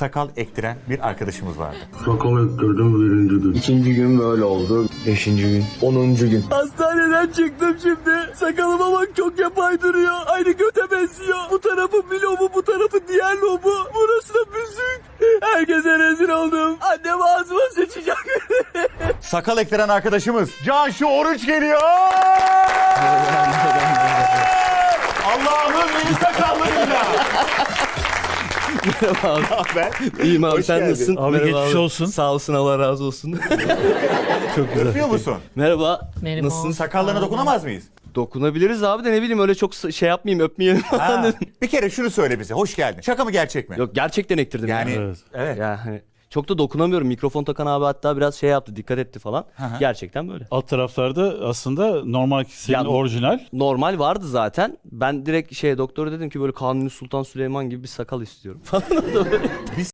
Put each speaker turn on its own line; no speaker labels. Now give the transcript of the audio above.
sakal ektiren bir arkadaşımız vardı.
Sakal ektirdim birinci gün.
İkinci gün böyle oldu. Beşinci gün. 10. gün.
Hastaneden çıktım şimdi. Sakalıma bak çok yapay duruyor. Aynı göte benziyor. Bu tarafı bir lobu, bu tarafı diğer lobu. Burası da büzük. Herkese rezil oldum. Annem ağzıma sıçacak.
Sakal ektiren arkadaşımız Cansu Oruç geliyor. Allah'ımın iyi sakallıyla.
Merhaba abi.
Haber?
İyiyim abi,
Hoş
sen
geldin.
nasılsın?
Abi
Merhaba
geçmiş olsun.
Sağ olsun, Allah razı olsun. Çok güzel.
Öpüyor musun?
Merhaba.
Merhaba.
Nasılsın?
Sakallarına dokunamaz mıyız?
Dokunabiliriz abi de ne bileyim öyle çok şey yapmayayım, öpmeyelim falan
Ha,
dedim.
bir kere şunu söyle bize. Hoş geldin. Şaka mı gerçek mi?
Yok, gerçekten ektirdim
Yani
yani.
Evet.
evet.
Ya hani çok da dokunamıyorum. Mikrofon takan abi hatta biraz şey yaptı, dikkat etti falan. Gerçekten böyle.
Alt taraflarda aslında normal senin
Ya-
orijinal.
Normal vardı zaten. Ben direkt doktora dedim ki böyle Kanuni Sultan Süleyman gibi bir sakal istiyorum falan.